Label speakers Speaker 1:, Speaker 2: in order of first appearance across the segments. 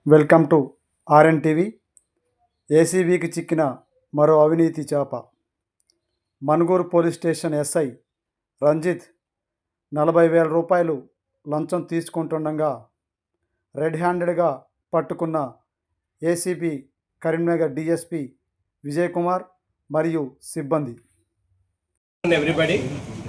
Speaker 1: Welcome to R N. ఏసీబీకి చిక్కిన మరో అవినీతి చేప. మనుగూరు పోలీస్ స్టేషన్ ఎస్ఐ రంజిత్ 40,000 రూపాయలు లంచం తీసుకుంటుండగా రెడ్ హ్యాండెడ్గా పట్టుకున్న ఏసీబీ కరీంనగర్ డిఎస్పీ విజయ్ కుమార్ మరియు సిబ్బంది.
Speaker 2: ఎవ్రీబడి,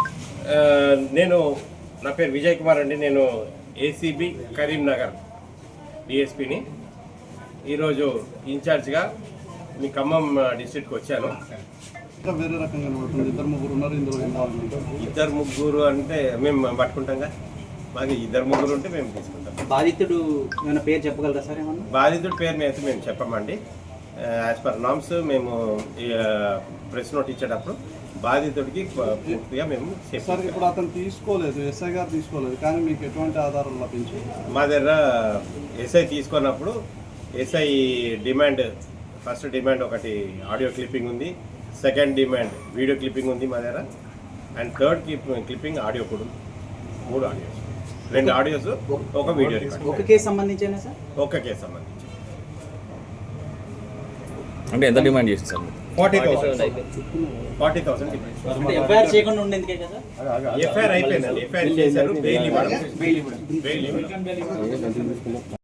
Speaker 2: నా పేరు విజయ్ కుమార్ అండి. నేను ఏసీబీ కరీంనగర్ డిఎస్పీని. ఈరోజు ఇన్ఛార్జ్గా మీ ఖమ్మం డిస్ట్రిక్ట్కి వచ్చాను.
Speaker 3: వేరే రకంగా ఇద్దరు ముగ్గురు ఉన్నారు ఇందులో.
Speaker 2: ఇద్దరు ముగ్గురు అంటే మేము పట్టుకుంటాంగా, మాకు ఇద్దరు ముగ్గురు ఉంటే మేము తీసుకుంటాం.
Speaker 4: బాధితుడు ఏమైనా పేరు చెప్పగలరా సార్? ఏమన్నా
Speaker 2: బాధితుడి పేరు అయితే మేము చెప్పమండి. యాజ్ పర్ నామ్స్ మేము ప్రెస్ నోట్ ఇచ్చేటప్పుడు బాధితుడికి పూర్తిగా మేము
Speaker 3: సార్ ఇప్పుడు అతను తీసుకోలేదు, ఎస్ఐ గారు తీసుకోలేదు, కానీ మీకు ఎటువంటి ఆధారాలు లభించాయి?
Speaker 2: మా దగ్గర ఎస్ఐ తీసుకున్నప్పుడు ఎస్ఐ డిమాండ్, ఫస్ట్ డిమాండ్ ఒకటి ఆడియో క్లిప్పింగ్ ఉంది, సెకండ్ డిమాండ్ వీడియో క్లిప్పింగ్ ఉంది మా దగ్గర, అండ్ థర్డ్ క్లిప్పింగ్ ఆడియో కూడా ఉంది. 3 ఆడియోస్, 2 ఆడియోస్, ఒక వీడియో రికార్డ్.
Speaker 4: ఒక కేసు సంబంధించేనా సార్?
Speaker 2: ఒక కేసు సంబంధించి.
Speaker 5: అంటే ఎంత డిమాండ్ చేసింది సార్?
Speaker 2: 40,000
Speaker 4: ఎఫ్ఐఆర్ చేయకుండా ఉండేందుకే కదా?
Speaker 2: ఎఫ్ఐఆర్ అయిపోయిందండి. ఎఫ్ఐఆర్ చేశారు, బెయిల్ ఇవ్వడం.